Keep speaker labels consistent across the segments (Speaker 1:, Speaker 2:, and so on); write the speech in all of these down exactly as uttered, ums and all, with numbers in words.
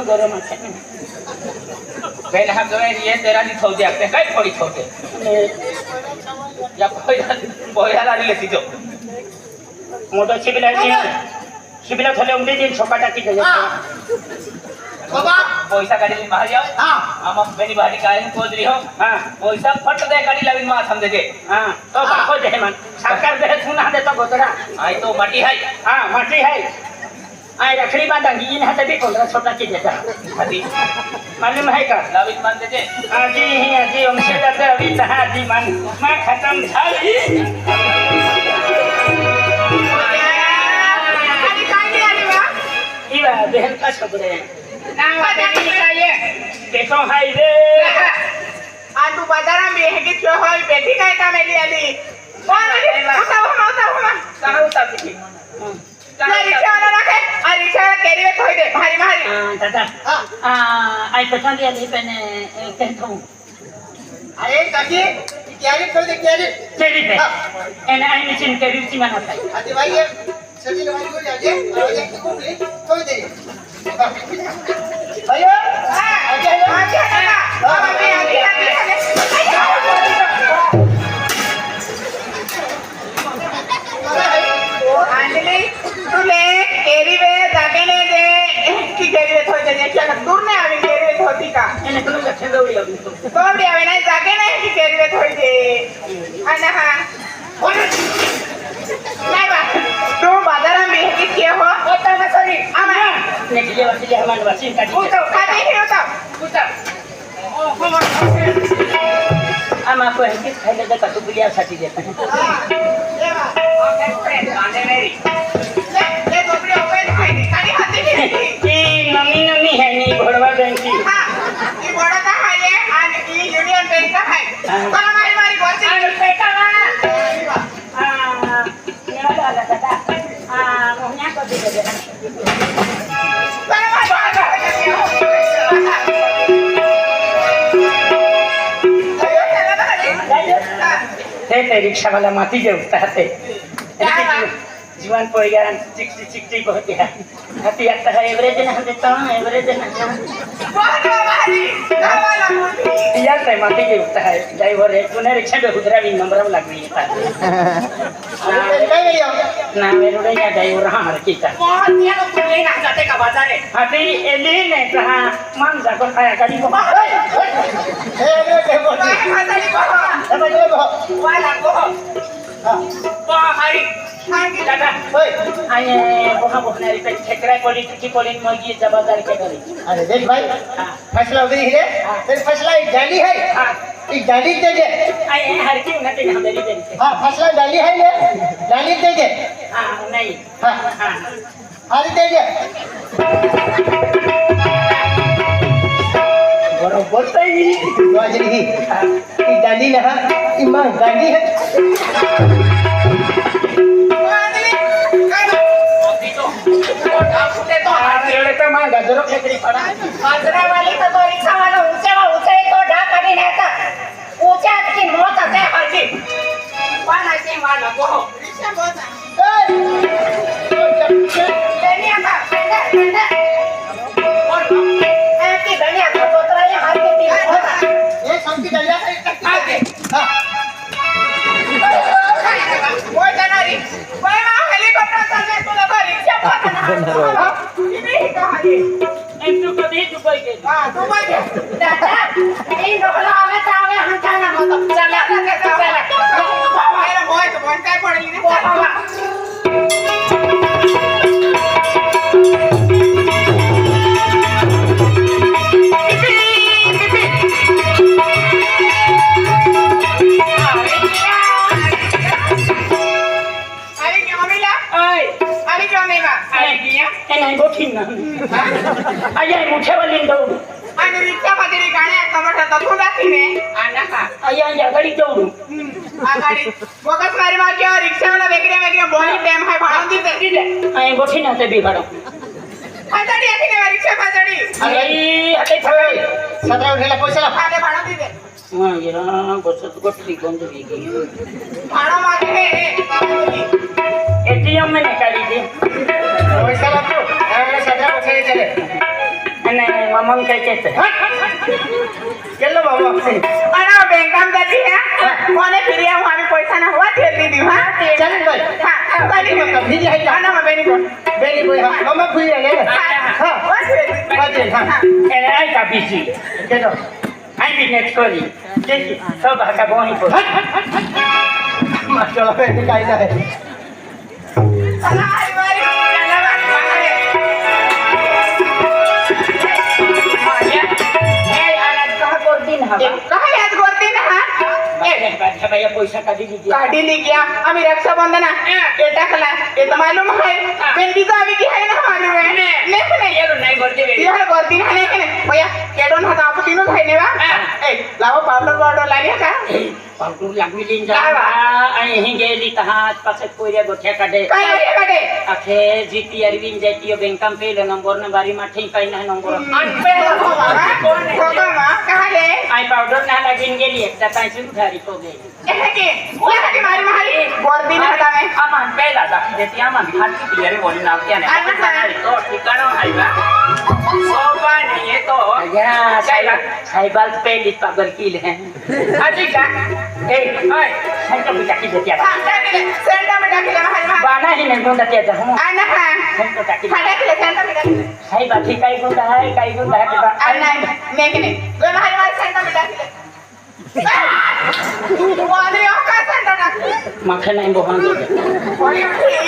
Speaker 1: गरम आहे
Speaker 2: बेन हम जो ये तेरा नहीं थोड़ी आते कई थोड़ी थोड़े या कोई बोया लाने लेती जो
Speaker 1: मोटर शिबिला शिबिला थले उंगली दिन छोकाटा की गया
Speaker 3: बाबा
Speaker 2: पैसा गाड़ी में मार जाओ
Speaker 3: हां
Speaker 2: हम बेनी बाड़ी गाड़ी में खोज रही हो
Speaker 1: हां
Speaker 2: पैसा फट दे गाड़ी लाविन मार हम दे दे
Speaker 1: हां तो बाको दे मन सरकार दे सुना दे तो गोतरा
Speaker 2: आई तो माटी है
Speaker 1: हां माटी है आई रखड़ी बांधांगी इन हाथ भी कोंडरा छोटा की देता
Speaker 2: अभी
Speaker 1: मालूम है का
Speaker 2: लाविन मान दे दे
Speaker 1: आजी ही आजी हमसे लगे अभी तहा जी मन मैं खत्म झाली
Speaker 3: अरे काय नहीं आली बा
Speaker 1: इवा बहन का छोकरे
Speaker 3: नाम बदली का ये
Speaker 1: देखो हाय रे
Speaker 3: आ तू बाजारा में है कि क्यों होई बेटी काय का मेली आली कौन आली उठा उठा उठा उठा
Speaker 2: कहां उठा दी
Speaker 3: ये रिक्शा वाला रखे आ रिक्शा वाला केरी में थोड़ी दे भारी भारी
Speaker 1: हां दादा आ आई पसंद है नहीं पहने कहता हूं
Speaker 3: अरे काकी केरी थोड़ी दे केरी
Speaker 1: केरी पे एने आई मशीन केरी सी बनाता है
Speaker 3: आती भाई ये सजी लवाई को आजे आजे की कुपली थोड़ी दे भैया आजे आजे ना बाबा भी आगे आगे आगे आंजलि तू ले केरी वे जाके ने दे की केरी वे थोड़ी दे क्या दूर ने आवी केरी वे थोड़ी का
Speaker 1: एने तुम लक्षण दौड़ी अभी
Speaker 3: थोड़ी आवे नहीं जाके ने की केरी वे थोड़ी दे अन्ना हां नहीं बा तू बाजार में है कि क्या हो होता ना सॉरी आमा
Speaker 1: नेक्स्ट वाली ले हमारे वासी का
Speaker 3: वो तो खाते ही होता पूछा ओ हम
Speaker 1: आमा को है कि खाइले दे कटु बिलिया साथी देता है
Speaker 3: ये बा ओके फ्रेंड आने मेरी ले ले गोबड़ी ओपन खाई खाली हाथे की
Speaker 1: की नमी नमी है नी घोड़वा बैंक की
Speaker 3: हां ये बड़ा का है ये और ये यूनियन बैंक का है पर हमारी मारी गोसी बेटा ना
Speaker 1: आ ये वाला दादा आ मोहनिया को दे दे
Speaker 3: पर हमारी बात
Speaker 1: ते ते रिक्शा वाला माती जे उठता है जीवन पोएगा चिकटी चिकटी बहुत है हाथी आता है एवरेज ना हम देता हूं एवरेज ना
Speaker 3: बहुत हमारी वाला मुंडी
Speaker 1: यार ते माती जे उठता है ड्राइवर है तूने रिक्शा पे उतरा भी नंबर में लग गई था
Speaker 3: अरे काय गई
Speaker 1: ना मेरे रे या ड्राइवर हां हर की था
Speaker 3: बहुत दिया तो तुम लेना जाते का बाजार है
Speaker 1: हाथी एली ने कहा मान जा को खाया गाड़ी को
Speaker 3: ए ले के बोल खाताली को समझ ले को वाला को हां हमारी
Speaker 1: दादा ओए आये बोहा बोहनारी पे ठेकरा कोली की कोली मगी जबादार के करी
Speaker 3: अरे देख भाई फसला उधरी है तेरी फसला एक डाली है एक डाली दे दे
Speaker 1: आये हर की उन्हें हम देरी देरी
Speaker 3: हां फसला डाली है ले डाली दे दे
Speaker 1: हां नहीं
Speaker 3: हां
Speaker 1: हां
Speaker 3: हरी दे दे
Speaker 1: बरोबर सही
Speaker 3: वाजरी ही ये डाली ना ये मां गाड़ी है
Speaker 1: तो मां गजरो फेकरी पड़ा
Speaker 3: बाजरा वाली तो तो रिक्शा वाला ऊंचे वा ऊंचे तो ढाक नहीं रहता ऊंचा की मौत है हर की वाला के वाला को रिक्शा बहुत ए लेनी आता पेंडा पेंडा और ए की धनिया तो तोतरा ये हाथ के तीन होता ये संकी धनिया आगे हां वो जनारी वो मां हेलीकॉप्टर चलने को लगा रिक्शा पकड़ना हां ये कहां है
Speaker 1: एक तो कभी दुबई के
Speaker 3: हां दुबई के दादा नहीं रोला आवे तो आवे हम जाना मत चला चला मेरा बॉय तो बॉय काय पड़ेगी ना अरे क्या मिला
Speaker 1: ओए
Speaker 3: अरे क्यों नहीं बा अरे किया
Speaker 1: ए नहीं बोठी ना आये मुठे वाली दो
Speaker 3: आणि रिक्षा मध्ये गाड्या कमट तथून जाती ने आना का
Speaker 1: आये या गाड़ी दौड़ू
Speaker 3: आगाडी बोगस मारी मार के रिक्षा वाला वेगळे वेगळे बॉडी टाइम है भाडून देते
Speaker 1: आये बोठी ना ते भी भाड़ो
Speaker 3: आजाडी आहे की रिक्षा आजाडी
Speaker 1: अरे हटे थवे
Speaker 3: सतरा उठेला पैसा भाडे भाडून देते
Speaker 1: हां ये बसत गोटी बंद हो गई
Speaker 3: भाड़ा मागे है
Speaker 1: एटीएम में निकाली थी
Speaker 3: पैसा लागतो त्यावेळेला सतरा पैसे चले
Speaker 1: અને मग काय केलं
Speaker 2: केलं बाबा
Speaker 3: आणि बँकाम जाती है कोणे फिरी आऊ आम्ही पैसा ना हुआ ठेल दी हा
Speaker 1: चल बाई
Speaker 3: हा चाली मग
Speaker 1: फिरी आहे
Speaker 3: ना मग बेनी कोण
Speaker 1: बेली बाई मग फिरी आहे
Speaker 3: हा हुआ ठेल
Speaker 1: बाजे हा ए आई का बिजी केलो आई बिनेट कोली केली सब हाका बोनी को माशाल्लाह बेटी काय नाही
Speaker 3: चला आई वारी चला मारे
Speaker 1: ए आला कहा करती ना
Speaker 3: काय याद करते ना हा
Speaker 1: ए भैया पैसा काढी लीजिए
Speaker 3: काढी ली गया आम्ही रक्षाबंधन ये टाकला ये तो मालूम है पेंडी तो अभी की है ना मालूम है लेकिन नहीं
Speaker 1: ये नहीं करती बेटी
Speaker 3: यार करती है लेकिन भैया केडोन हाथ आप तीनों भाई ने बा ए लाओ पाउडर पाउडर लागिया का
Speaker 1: पावडर लागली लिन जा आणि ही गेली तहा पासे कोऱ्या गोठ्या काढे
Speaker 3: काय आहे काढे
Speaker 1: आखे जीती अरविंद जाती बँकाम पेलो नंबर न बारी मा ठीक काही नाही नंबर
Speaker 3: अनपे कोण होता मा काले
Speaker 1: आई पावडर ना लागीन गेली एकदा कायची घरी को गेली
Speaker 3: ए के ओला की मारी मारी गर्दी ना हाता में
Speaker 1: आम्हा पहिला दाखी देती आम्हा खाती तियारी बोली नाव त्याने तो ठिकाणं आहे का सोपा नाही आहे तो या साहेब साहेबाल पहिली पागल किल है आजी का ए ओय सेंटर में टाकी देती आता
Speaker 3: सेंटर में टाकी मारी मारी
Speaker 1: बाना ही नाही गुंडा त्याचा हो
Speaker 3: आना हा
Speaker 1: सेंटर टाकी
Speaker 3: फाटा के सेंटर में टाकी
Speaker 1: साहेब आधी काही गुंडा आहे काही गुंडा आहे का
Speaker 3: आना नहीं के नहीं वे मारी मारी सेंटर में टाकी वाली का सेंटर टाकी
Speaker 1: माखे नाही बोहान
Speaker 3: वाली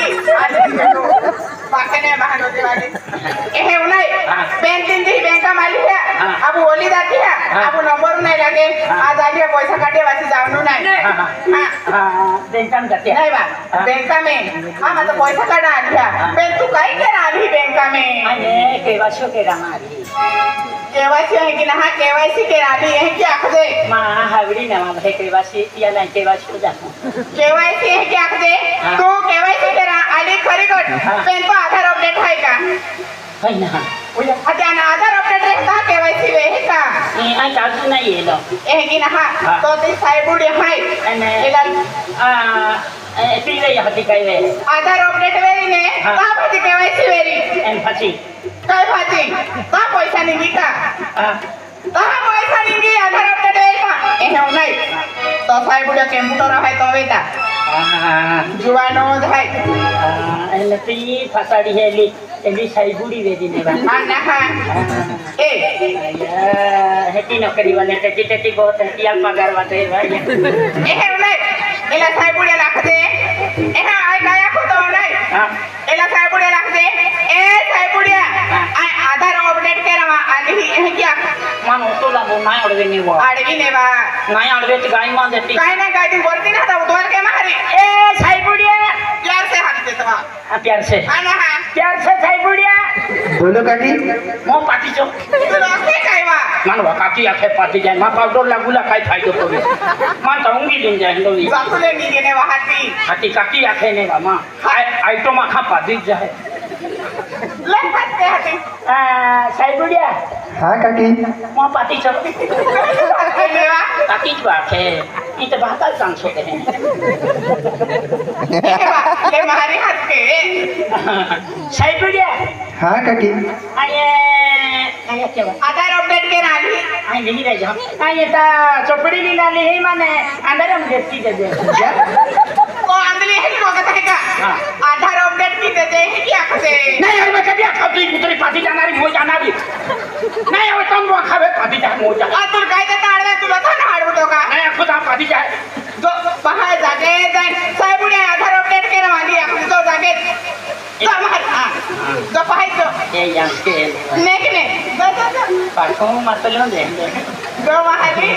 Speaker 3: पाकने महान होते वाली ए उनाई बैंक दिन दी बैंक का मालिक है अब ओली जाती है अब नंबर नहीं लगे आज आलिए पैसा काटे वासी जावनु नहीं हां
Speaker 1: हां बैंकम जाते
Speaker 3: नहीं बा बैंक में हां मतलब पैसा काटा आलिया बैंक तू काई करा आली बैंक में
Speaker 1: अरे केवाशो के रामारी
Speaker 3: केवाईसी है कि ना केवाईसी के आली है क्या खदे
Speaker 1: मा हावडी ना भाई केवाशी या नाही केवाशो जातो
Speaker 3: केवाईसी है क्या खदे तू केवाईसी करा आली खरी गट पेन तो आधार अपडेट है का
Speaker 1: है ना
Speaker 3: ओया आता ना आधार अपडेट रहता केवाईसी वे है का
Speaker 1: ए आई काजू नाही येलो
Speaker 3: ए कि ना तो ती साहेबुडी है
Speaker 1: आणि
Speaker 3: एला
Speaker 1: आ ए पिले या हती काय वे
Speaker 3: आधार अपडेट वेरी ने का भाजी केवाईसी वेरी
Speaker 1: एन फाची
Speaker 3: काय भाजी का पैसा निघी का
Speaker 1: आ
Speaker 3: का पैसा निघी आधार अपडेट वेरी का ए हो नाही तो साहेबुडी कम्प्युटर है तो वेता
Speaker 1: आ
Speaker 3: जुवानो है
Speaker 1: एन ती फसाडी हेली एली साईबुडी वेदी ने बा
Speaker 3: अन्ना हा ए
Speaker 1: या हेती नोकरी वाले टेटी टेटी बहुत है याल पगार वाटे भाई
Speaker 3: ए हे नाही एला साहेबुडी लागते ए हा आय काय को तो नाही
Speaker 1: हां
Speaker 3: एला साहेबुडी लागते ए साहेबुडी आय आधार अपडेट करा आली हे क्या
Speaker 1: मान होतो लागो नाही अडवे निवो
Speaker 3: आडवी ने बा
Speaker 1: नाही अडवे ती गाय मान देती
Speaker 3: काय नाही काय ती बोलती ना आता उतवर के मारी
Speaker 1: ए साईबुडिया
Speaker 3: प्यार से हाथ देता बा
Speaker 1: आ प्यार से
Speaker 3: अन्ना हा
Speaker 1: प्यार से साईबुडिया
Speaker 4: बोलो काकी
Speaker 1: मो पाटी चो
Speaker 3: तू लोके काय बा
Speaker 1: मान वा काकी आखे पाटी जाय मा पावडर लागुला काय फायदो पडे मान तांगी दिन जाय लोई
Speaker 3: जातुले निगे ने वाहती
Speaker 1: हाती काकी आखे ने बा मा आय आय तो मा खा पाटी जाय
Speaker 3: ले हात ते हाती
Speaker 1: आ साईबुडिया
Speaker 4: हाँ काकी
Speaker 1: मो पाटी चो
Speaker 3: ने बा
Speaker 1: काकी जो आखे ई तो बात काल सांग छोटे हैं
Speaker 3: ए बा ले मारी हात के
Speaker 1: साईबुडिया
Speaker 4: हाँ काकी
Speaker 1: आये आये क्या
Speaker 3: आधार अपडेट के राली
Speaker 1: आई नहीं रह जा आये ता चोपड़ी लीला ले ही माने अंदर हम देखती दे दे
Speaker 4: क्या
Speaker 3: को अंदली है को कहता है का
Speaker 1: हाँ।
Speaker 3: आधार अपडेट की दे दे है क्या कहते
Speaker 1: नहीं यार मैं कभी आखा भी उतरी पार्टी जाना रही हो जाना भी नहीं अब तुम वो खावे पार्टी जा हो जा
Speaker 3: आ तू काय देता आडवे तुला था ना आडवू तो का
Speaker 1: नहीं खुद आप पार्टी जाए
Speaker 3: जो बाहेर जागे जाय साहेबुडी आधार अपडेट के राली आपण तो जागे समार हां जो बाहेर जो
Speaker 1: ये यहाँ के
Speaker 3: नेक ने जो जो जो
Speaker 1: पार्कों में मत लो दे
Speaker 3: जो वहाली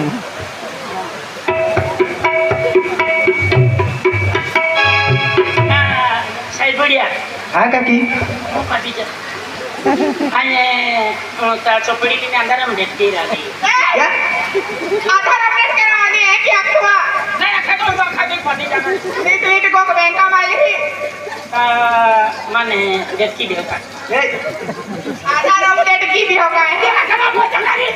Speaker 1: सही बढ़िया
Speaker 4: हाँ काकी
Speaker 1: वो पार्टी जा आये ता चोपड़ी के अंदर हम देखती रही
Speaker 4: क्या
Speaker 3: आधार अपडेट के राली है क्या हुआ
Speaker 1: नहीं आखा तो वो खावे पार्टी जाना
Speaker 3: नीट नीट को बैंक का माली
Speaker 1: माने देखती देखा
Speaker 3: आधार अपडेट की भी होगा है
Speaker 1: कब हो जाना रे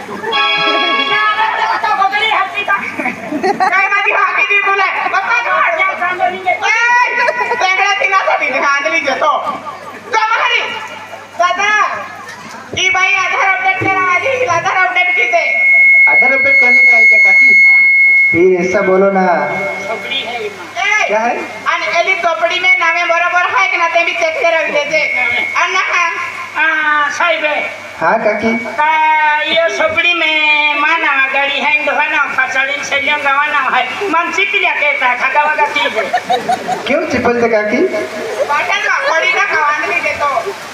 Speaker 1: ना तो बगली हत्ती था
Speaker 3: काय मादी हाकी दी बोले बता दो हट जा
Speaker 1: सांगो नहीं
Speaker 3: ए तेंगड़ा तिना साठी हांडली घेतो जा मारी दादा ई बाई आधार अपडेट करा आधी आधार अपडेट कीते
Speaker 4: आधार अपडेट करने का है क्या काकी? फिर ऐसा बोलो ना।
Speaker 1: छोकरी है ये माँ।
Speaker 3: ए
Speaker 4: क्या है?
Speaker 3: आणि एली चोपडी में नामे बरोबर है कि ना ते भी चेक कर रख देते अन्ना
Speaker 1: हाँ साहिब है
Speaker 4: हाँ काकी।
Speaker 1: का ये छोकरी में माना गाड़ी है इंडोना फसलिन से लिया गवाना है मन चिपलिया कहता है खगा वगा चीज है
Speaker 4: क्यों चिपल दे काकी?
Speaker 3: बाटन में बड़ी ना कवान नहीं देतो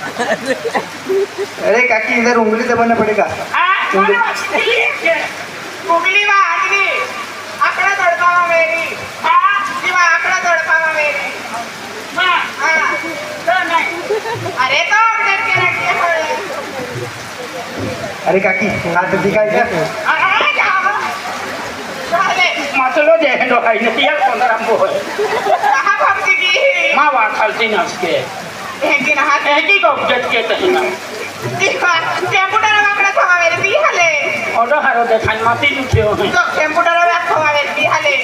Speaker 4: अरे काकी इधर उंगली दबाना पड़ेगा।
Speaker 1: हाँ मानो चिपलिया
Speaker 3: गुगली में आदमी आंकड़ा तड़पावा मेरी हाँ जीवा आंकड़ा तड़पावा मेरी
Speaker 1: हाँ
Speaker 3: हाँ
Speaker 1: तो नहीं
Speaker 3: अरे तो अपडेट के रखे हो
Speaker 4: अरे काकी हाथ दिखाई क्या?
Speaker 3: अरे जाओ चले
Speaker 1: मतलब जे है लोग है नहीं यार कौन रंगो है
Speaker 3: कहाँ भक्ति की
Speaker 1: माँ वाह खालती ना उसके
Speaker 3: एक दिन हाथ
Speaker 1: एक ही को जज के तो ही ना
Speaker 3: देखा कंप्यूटर में आंकड़ा थवा मेरे भी हले
Speaker 1: और हरो देखा माती लुटे हो हैं
Speaker 3: तो कंप्यूटर में थवा मेरे भी हले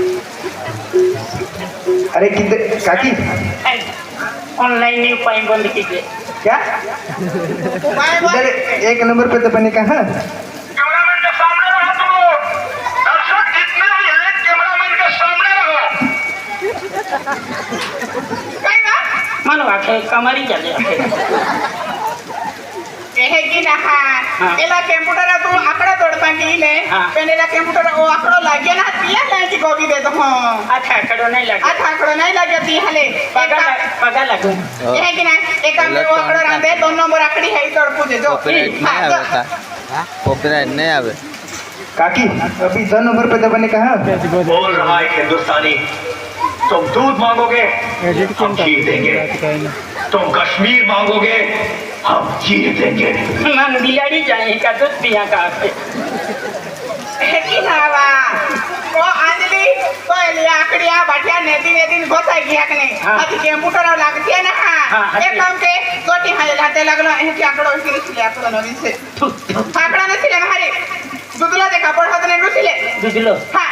Speaker 4: अरे किधर काकी?
Speaker 1: ऑनलाइन नहीं पाई बंद कीजिए
Speaker 4: क्या?
Speaker 3: मैं
Speaker 4: इधर एक नंबर पे दबाने का हाँ?
Speaker 5: कैमरामैन के सामने रहो तुम दर्शक जितने भी हैं कैमरामैन के सामने रहो
Speaker 3: कहीं ना
Speaker 1: मानो आखे कमरी चले आखे
Speaker 3: कहे कि ना हाँ एला कंप्यूटर तू आंकड़ा तोड़पा की ले
Speaker 1: हाँ।
Speaker 3: पहले कंप्यूटर वो आंकड़ो लागे ना तिया ले की गोभी दे दो हां
Speaker 1: अच्छा करो नहीं लगे
Speaker 3: अच्छा आंकड़ो नहीं लागे ती हले
Speaker 1: पगा लग पगा लगो
Speaker 3: कहे कि ना एक काम में वो आंकड़ो रंदे दो नंबर आंकड़ी है तोड़ पूजे जो
Speaker 6: कॉपीराइट नहीं
Speaker 3: हाँ,
Speaker 6: आवे
Speaker 3: तो-
Speaker 6: का कॉपीराइट नहीं आवे
Speaker 4: काकी अभी दो नंबर पे दबाने का हाँ?
Speaker 5: बोल रहा है हिंदुस्तानी तुम दूध मांगोगे हम खीर देंगे तुम कश्मीर मांगोगे हम चीर देंगे
Speaker 1: मन बिलाड़ी जाए का दूध पिया का
Speaker 3: कहे कि ना वा वो अंजलि तो एली आंकड़िया बाटिया नेदी नेदी गोता गया कि नहीं
Speaker 1: हाँ।
Speaker 3: अति कंप्यूटर लागती है ना
Speaker 1: हाँ,
Speaker 3: हाँ
Speaker 1: हाँ,
Speaker 3: एक काम के गोटी हाले लाते लगलो है कि आंकड़ो इसके लिए आंकड़ो नवीन से आंकड़ा ने सिले हमारे दुदला देखा पड़ हाथ ने रुसिले
Speaker 1: बुझलो
Speaker 3: हाँ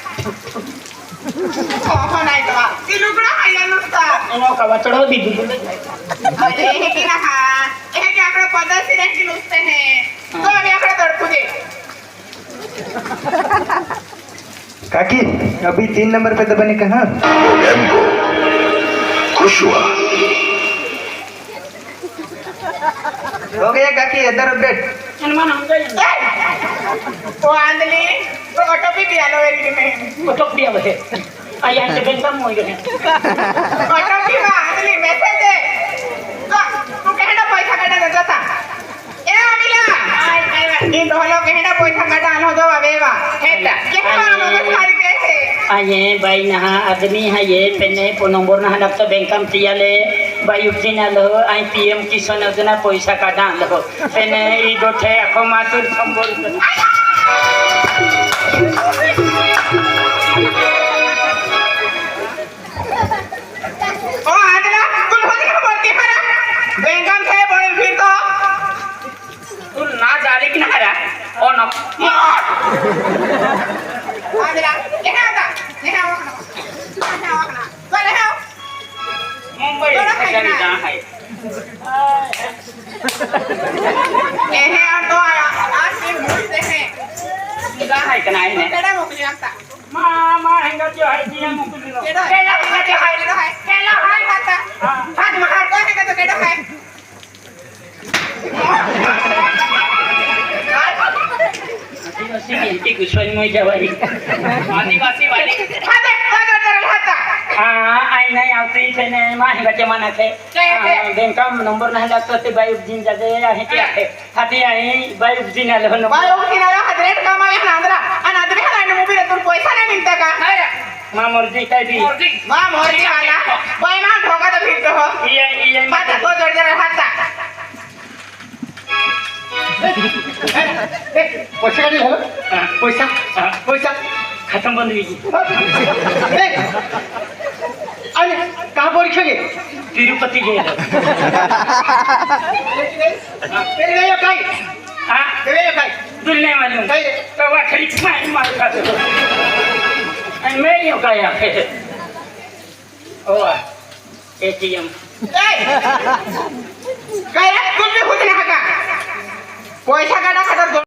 Speaker 3: ओहो नहीं तो ये लुगड़ा है या नुस्ता
Speaker 1: इनो का बचड़ो भी बुझलो
Speaker 3: अरे है कि ना हाँ ये कि आंकड़ो पता से रह कि नुस्ते हैं तो अभी आंकड़ा तोड़ पूजे
Speaker 4: काकी अभी तीन नंबर पे दबाने का हाँ?
Speaker 5: खुश हुआ
Speaker 4: हो गया काकी इधर अपडेट।
Speaker 1: हनुमान हम गए
Speaker 3: वो आंधली तो ऑटो भी दिया लो एक में
Speaker 1: को टोक दिया बे आया से बैंक में हो गए
Speaker 3: ऑटो भी वो आंधली मैसेज है तो तू कहना पैसा काटा जाता ए अमिला इन दोनों कहना पैसा काटा आनो दो आवेगा हेटा क्या मानो में खाली के है
Speaker 1: आये बाई नहा आदमी है ये पेने पो नंबर ना हनक तो बैंक में तिया ले बाई उठिन लो आई पीएम किसान योजना पैसा काटा लो पेने ई दोठे अखो मातुर संबोल
Speaker 3: ओ आंधला कुल हो गया बोलती है ना बैंक में थे बोल फिर तो
Speaker 1: तू ना जाले कि ना रा ओ न
Speaker 3: आंधला क्या होता क्या होता क्या होता चले आओ
Speaker 1: मुंबई से जहाँ है
Speaker 3: ये है और तो आया आज भी भूलते हैं
Speaker 1: जहाँ है कनाई ने
Speaker 3: केड़ा मोकली आता
Speaker 1: माँ माँ हैंगा जो है दिया मुकुल लो
Speaker 3: केड़ा केड़ा केड़ा है केड़ा है केड़ा है खाता हाथ में हाथ को है तो केड़ा है
Speaker 1: आदिवासी की कुछ में जवाई आदिवासी वाली
Speaker 3: हाथ हाथ कर हाथ
Speaker 1: हाँ आई नहीं आती थे ने माँ हैंगा जमाना थे बैंक का नंबर नहीं लगता थे बाई उपजिन जाते है क्या है हाथी आई बाई उपजिन आले हो
Speaker 3: बाय ओ किनारा हाथ रेट कमा है ना अंदर अन आदमी है ना मूवी रे तुम पैसा नहीं मिलता का
Speaker 1: माँ मर्जी कह दी
Speaker 3: मां मोरी वाला बाय मां ठोका तो फिर तो हो
Speaker 1: ये ये
Speaker 3: हाथ को जोड़ जोड़ हाथ
Speaker 4: पैसा नहीं हो पैसा पैसा
Speaker 1: खत्म बंद हुई
Speaker 4: अरे कहाँ परीक्षा के?
Speaker 1: तिरुपति गए
Speaker 4: तेरे गए काई?
Speaker 1: हाँ
Speaker 4: तेरे गए काई?
Speaker 1: दुलने वाली हूँ तो वह खरीद मार मार का तो मैं यूँ कहा फिर ओ एटीएम
Speaker 3: ए काय कुछ भी खुद नहीं हका পয়সা কাটা খাটার